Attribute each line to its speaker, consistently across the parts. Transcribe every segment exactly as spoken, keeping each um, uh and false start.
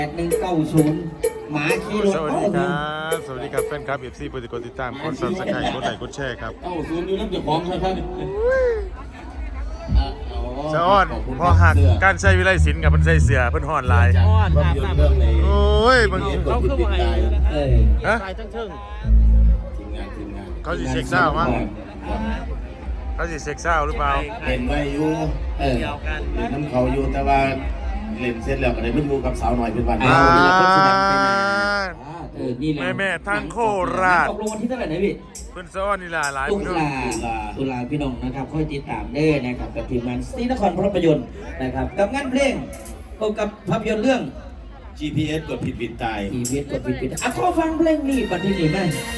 Speaker 1: แปดหนึ่งเก้าศูนย์หมาขี่รถ
Speaker 2: สวัสดีครับสวัสดีครับแฟนคลับเอฟซีโปรติกดติดตามกดซับสไครต์กดไลค์กดแชร์ครับ
Speaker 3: เก้าศูนย์อยู่น้ำเจ้าของครับท่าน
Speaker 2: สะอ้อนพอหักการใช้วิไลศิลป์กับมันใส่เสือเพิ่นห่อนลาย
Speaker 3: อ้อนภาพยนตร์เรื่องใน
Speaker 2: โอ้ยบางที
Speaker 3: เขาคือว่าไง
Speaker 1: เออ
Speaker 2: ฮะ
Speaker 3: ตายทั้งเชิงทีมงานทีมงาน
Speaker 2: เขาสิเช็คเศร้ามั้งเขาสิเช็คเศร้าหรือเปล่า
Speaker 3: เล่นไว้อยู่เออเล่นน้ำเขาอยู่แต่ว่าเล่นเสร็จแล้วก็ได้ไม่รู้กับสาวหน่อยเป็นวัน
Speaker 2: อ่า
Speaker 1: เออนี่แหละ
Speaker 2: แม่แม่ทางโคราช
Speaker 1: ตกลงวันที่เท่าไหร่นะพี่
Speaker 2: เพิ่นสะอ้อนนี่ล่ะหลาย
Speaker 1: ตุ
Speaker 2: พี่น้อง
Speaker 1: ลาตุลาพี่น้องนะครับค่อยติดตามเด้อนะครับกับทีมงานซีนครภาพยนตร์นะครับกับงานเพลงพบกับภาพยนตร์เรื่อง
Speaker 3: จี พี เอส กดผิดผิดตาย
Speaker 1: ชีวิตกดผิดผิดอ่ะขอฟังเพลงนี้ปัจจุบันไหม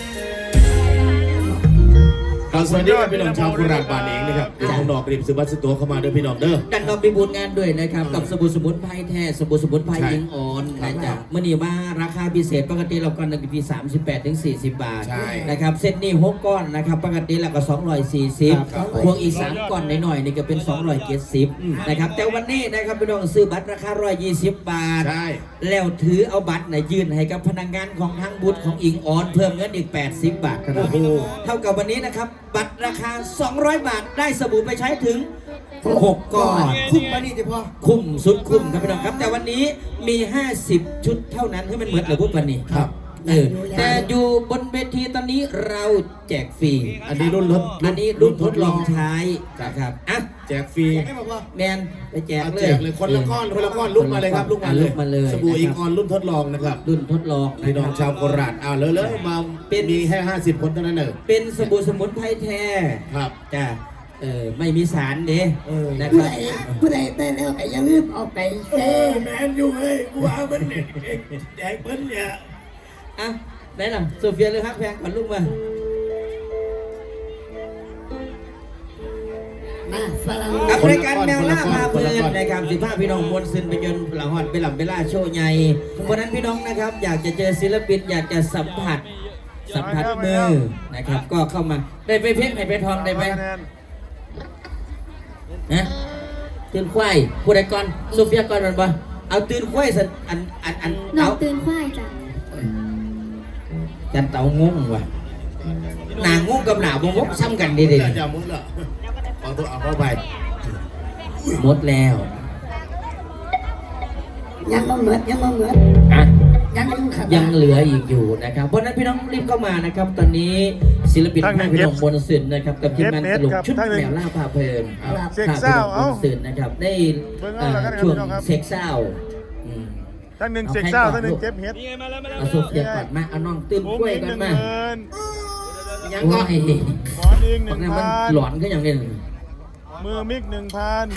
Speaker 3: สวัสดีครับพี่น้องชาวโคราชบ้านเองนะครับเป็นคนดอกริมซื้อบัตรซื้อตัวเข้ามาเด้อพี่น้องเด้อ
Speaker 1: ดันเราไปบุญงานด้วยนะครับกับสบู่สมุนไพรแท้สบู่สมุนไพรยิงอ่อนนะจ๊ะเมื่อนี้มาราคาพิเศษปกติเราก้อนหนึ่งที่สามสิบแปดถึงสี่สิบบาทนะครับเซตนี้หกก้อนนะครับปกติเราก็สองร้อยสี่สิบบวกอีกสามก้อนหน่อยๆนี่ก็เป็นสองร้อยเจ็ดสิบนะครับแต่วันนี้นะครับพี่น้องซื้อบัตรราคาหนึ่งร้อยยี่สิบบาทแล้วถือเอาบัตรเนี่ยยื่นให้กับพนักงานของทางบูธของอิงออนเพิ่มเงินอีกแปดสิบบาทครับเท่ากับวันนี้นะครับบัตรราคาสองร้อยบาทได้สบู่ไปใช้ถึงหกก้อน
Speaker 4: คุ้มมานี่จะพอ
Speaker 1: คุ้มสุดคุ้มครับพี่น้องครับแต่วันนี้มีห้าสิบชุดเท่านั้นที่มันเหมือนกับพวกวันนี้
Speaker 3: ครับ
Speaker 1: เออแต่อยู่บนเวทีตอนนี้เราแจกฟรี
Speaker 3: อันนี้รุ่นรถ
Speaker 1: อันนี้รุ่นทดลองใช้นะครับอ่ะ
Speaker 3: แจกฟรี
Speaker 1: แมนไปแจกเลย
Speaker 3: แจกเลยคนละก้อนคนละก้อนลุกมาเลยครับลุกมาเลย
Speaker 1: มาเลย
Speaker 3: สบู่อิงออนรุ่นทดลองนะครับ
Speaker 1: รุ่นทดลอง
Speaker 3: พี่น้องชาวโคราชอ่าเลยเลยมาเป็นมีแค่ห้าสิบคนเท่านั้นเอง
Speaker 1: เป็นสบู่สมุนไพรแท้
Speaker 3: ครับ
Speaker 1: จ้ะเออไม่มีสารเด้นะค
Speaker 4: ผู้
Speaker 1: รับ
Speaker 4: ใดผู้ใดได้แล้วไอ้ยังรีบออกไป
Speaker 3: เออแมนอยู่เฮ้ยกูว่ามันเนี่ยแจกเพิ่นเนี่ย
Speaker 1: อ่ะได้หรอโซเฟียเลยครับแพงก่อนลูกมากับรายการแมวล่าพาเพลินนะครับสิบห้าพี่น้องมวลซึนไปจนหลังหอดไปหลังไปล่าโชว์ใหญ่เพราะนั้นพี่น้องนะครับอยากจะเจอศิลปินอยากจะสัมผัสสัมผัสมือนะครับก็เข้ามาได้ไปเพชรได้ไปทองได้ไปนะตื่นควายผู้ใดก่อนโซเฟียก่อนมันบ่เอาตื่นควายสันอันอันอัน
Speaker 5: น้องตื่นควายจ้ะ
Speaker 1: จันเต่างงว่ะหนางงกับหนาบงกซ้ำกันดีดี
Speaker 3: จะมุดเหรอเอาตัวเอาเข้าไป
Speaker 1: หมดแล้ว
Speaker 4: ยังไม่เหมือนยังไม่เหมือน
Speaker 1: อ่ะ
Speaker 4: ยัง
Speaker 1: ยังเหลืออีกอยู่นะครับเพราะนั้นพี่น้องรีบเข้ามานะครับตอนนี้ศิลปินพี่น้องบนสื่อนะครับกับทีมงานตลกชุดแมวล่าพาเพลิน
Speaker 2: เซ็กเศร้าเอ้า
Speaker 1: สื่อนะครับได้ช่วงเซ็กเศร้า
Speaker 2: ทั้งหนึ่งเซ็กเศร้าทั้งหนึ่งเก็บเห็ด
Speaker 1: เอาโซเฟียก่อนมาเอาน้องตื่นกล้วยกันมา
Speaker 2: ยัง
Speaker 1: ก็ให้
Speaker 2: หมอนอีกหนึ่งพัน
Speaker 1: หลอนก็อย่างนี้
Speaker 2: มือมิกหนึ่งพัน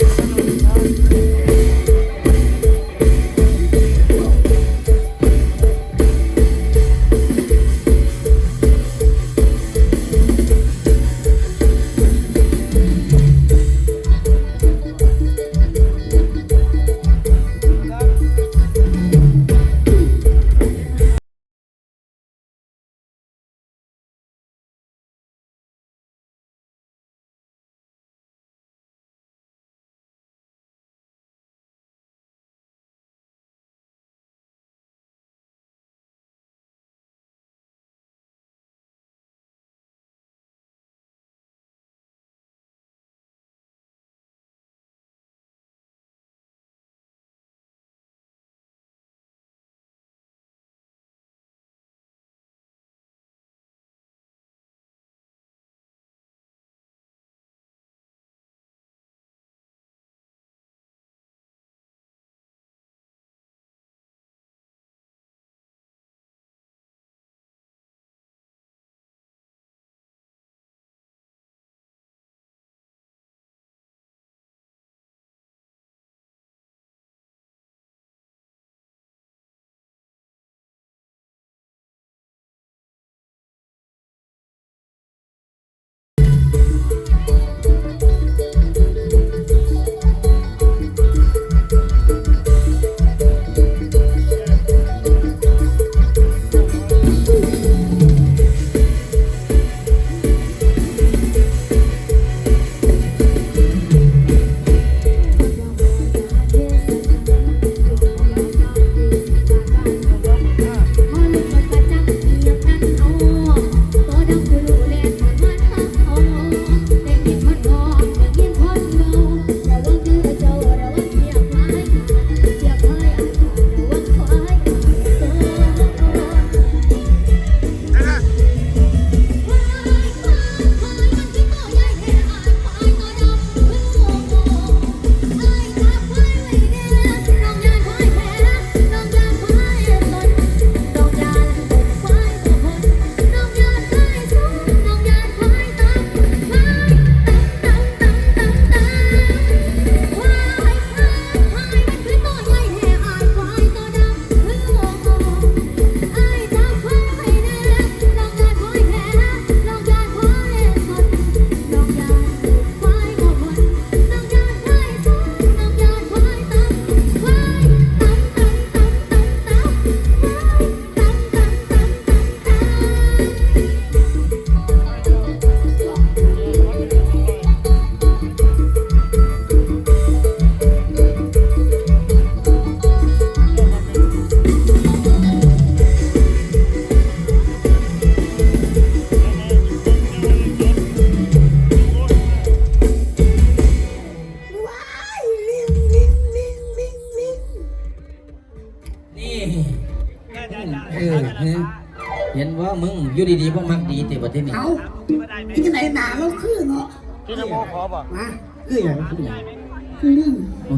Speaker 1: นี่เออเห็นว่ามึงอยู่ดีๆพวกมักดีแต่ประเทศนี้
Speaker 4: เอาที่ไหนหนาเราคือเนาะ
Speaker 2: พี่นโมขอบอก
Speaker 4: มา
Speaker 1: คืออย่างคืออย่าง
Speaker 4: คือลิง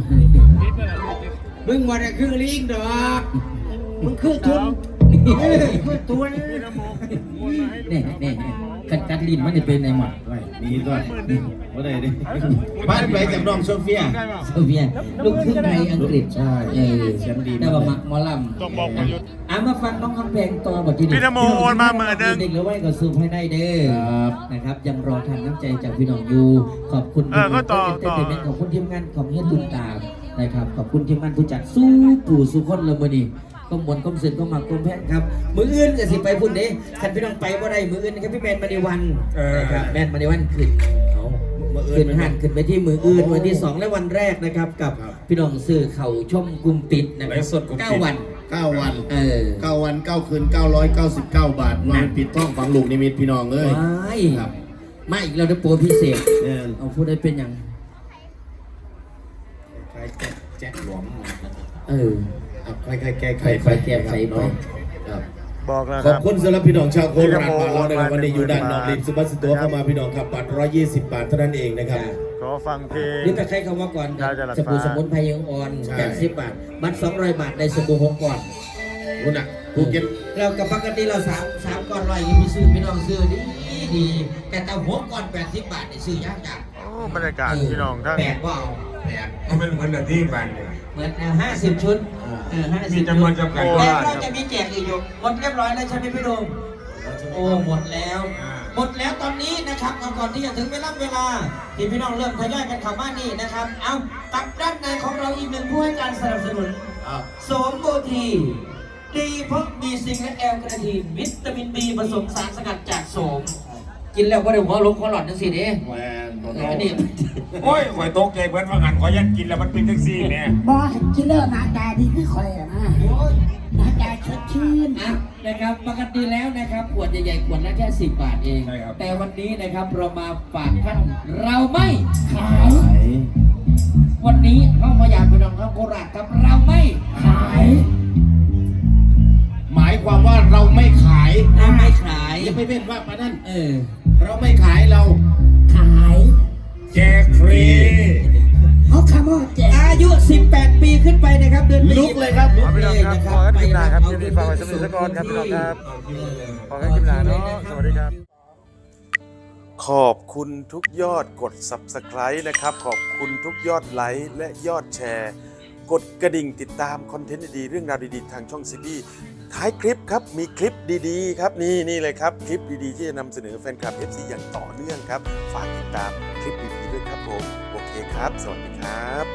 Speaker 1: มึงว่าได้คือลิงดอกมึงคือทุนคือตัวนี่นี่กัดกัดลิ้นมันจะเป็นไงหมด
Speaker 3: ไว้มีด้วยว่าได้ดิบ้านไปจากน้องโซเฟีย
Speaker 1: โซเวียตลูกครึ่งไทยอังกฤษ
Speaker 3: ใช่
Speaker 1: เออ
Speaker 3: แชมป์ดี
Speaker 1: แต่ว่ามักหมอล
Speaker 2: ต้องบอกประยุทธ์
Speaker 1: ำอ่ะมาฟังน้องคำแพงต่อบทที่
Speaker 2: พี่นโมโอนมาหมื่นหนึ่ง
Speaker 1: เด็กหรือว่าก็ซูมให้ได้เด้อนะครับยังรอทานน้ำใจจากพี่น้องอยู่ขอบคุณ
Speaker 2: เออก็ต่อต่อ
Speaker 1: ขอบคุณทีมงานของเฮียตุนตามนะครับขอบคุณทีมงานผู้จัดสู้ปู่สู้คนเลยมื้อนี้ก็มวนก็เสือนก็มักก็แพงครับมืออื่นก็สิไปพุ่นเด้คันพี่น้องไปบ่ได้มืออื่นนะครับพี่แมนมาในวันนะครับแมนมาในวันขึ้นเขาขึ้นหันขึ้นไปที่มืออื่นวันที่สองและวันแรกนะครับกับพี่น้องซื้อเข่าชมกลุ่มปิดนะครับเก้าวัน
Speaker 3: เก้าวัน
Speaker 1: เออ
Speaker 3: เก้าวันเก้าคืนเก้าร้อยเก้าสิบเก้าบาทวันปิดท้องฝังลูกนิมิตพี่น้องเอ้ย
Speaker 1: ว้าย
Speaker 3: ครับ
Speaker 1: มาอีกแล้วได้โปรพิเศษ
Speaker 3: เนี่ย
Speaker 1: เอาพูดได้เป็นอย่าง
Speaker 3: ใครแจ๊ะแจ๊ะหลวม
Speaker 1: เออ
Speaker 3: ครับใครใครแก้ไข
Speaker 1: ใครๆแก้ไขไป
Speaker 3: ครับ
Speaker 2: บอกแล้ว
Speaker 3: ข
Speaker 2: ค
Speaker 3: อบ
Speaker 2: รับ
Speaker 3: คุณสำหรับพี่น้องชาวโคราชมาแล้วนะครับวันนี้อยู่ด้านนอกริมสุบัสตัวเข้ามาพี่น้องครับบัตรร้อยยี่สิบบาทเท่านั้นเองนะครับ
Speaker 2: ขอฟังเพลง
Speaker 1: นี่แต่ใครคำว่าก่อน
Speaker 2: ได้จะหลับ
Speaker 1: สบู่
Speaker 2: ฟ้า
Speaker 1: สมุนไพรยังอ่อน
Speaker 3: ใช่
Speaker 1: แปดสิบบาท บัตรสองร้อยบาทในสบู่หกก่อน
Speaker 3: รู้น่ะภูเก็ต
Speaker 1: เรากับปกติเราสามสามก่อนร้อยยังมีซื้อพี่น้องซื้อดีดีแต่แต่หัวก่อนแปดสิบบาทนี่ซื้อยากจัง
Speaker 2: โอ้บรรยากาศพี่น้องทั้ง
Speaker 1: แปดก็เอา
Speaker 3: แปดมันเหมือนกับที่บ้านเนี่ย
Speaker 1: เหมือนห้าสิบชุดเออห้าสิบ
Speaker 3: มีจำนวนจำกัด
Speaker 1: แล้วเราจะมีแจกอีกอยู่หมดเรียบร้อยแล้วใช่ไหมพี่โดมโอ้หมดแล้ว หมดแล้วตอนนี้นะครับเอาก่อนที่จะถึงเวลาเวลาที่พี่น้องเริ่มทยอยกันเข้ามานี่นะครับ เอาตับด้านในของเราอีกหนึ่งผู้ให้การสนับสนุน
Speaker 3: อ้าว
Speaker 1: โสมโกทีดีเพราะมีซิงค์และแอลกระทีนวิตามินบีผสมสารสกัดจากโสม กินแล้วก็ได้หัวลุกหัวหลอดจังสิเด้
Speaker 3: แหวนตัว
Speaker 1: เอ
Speaker 3: น้อ
Speaker 1: อง นี่
Speaker 5: โอ้ยข่อยตกใจเบิดว่างันข่อยยันกินแล้วมันเป็นแท็กซี่เนี่ย
Speaker 4: บอสกินเลอร์หน้าตาดีคือคอยอะนะหน้าตาสดชื่น
Speaker 1: อ่ะนะครับปกติแล้วนะครับขวดใหญ่ๆขวดละแค่สิบบาทเอง
Speaker 5: ใช่ครับ
Speaker 1: แต่วันนี้นะครับเรามาฝากท่านเราไม่ขาย วันนี้เข้ามาอยากไปลองเข้าโคราชครับเราไม่ขาย
Speaker 3: หมายความว่าเราไม่ขาย
Speaker 1: เราไม่ขาย
Speaker 3: อย่าไปเว้นว่ามานั่น
Speaker 1: เออ
Speaker 3: เราไม่ขายเรา
Speaker 4: ขาย
Speaker 5: แจกฟรี
Speaker 4: เขาคำว่าแจก
Speaker 1: อายุ สิบแปด ปีขึ้นไปนะครับเดือน
Speaker 3: ลุกเลยครับ
Speaker 1: ลุ
Speaker 2: ขอก พี่
Speaker 1: เล
Speaker 2: น้อง
Speaker 1: ย
Speaker 2: ครับ
Speaker 1: นะค
Speaker 2: ข
Speaker 1: รับ
Speaker 2: อกันคลิปหน้าครับ
Speaker 1: ไป
Speaker 2: คลิปนี้ฝากไว้สำหรับนิทรกรครับพี่น้องครับขอกันคลิปหน้าเนาะสวัสดีครับ ขอบคุณทุกยอดกด ซับสไครบ์ นะครับ ขอบคุณทุกยอดไลค์และยอดแชร์ กดกระดิ่งติดตามคอนเทนต์ดีๆเรื่องราวดีๆ ทางช่องซีบีท้ายคลิปครับ มีคลิปดีๆ ครับ นี่นี่เลยครับ คลิปดีๆ ที่จะนำเสนอแฟนคลับ เอฟ ซี อย่างต่อเนื่องครับ ฝากติดตามคลิปดีๆด้วยครับผม โอเคครับ สวัสดีครับ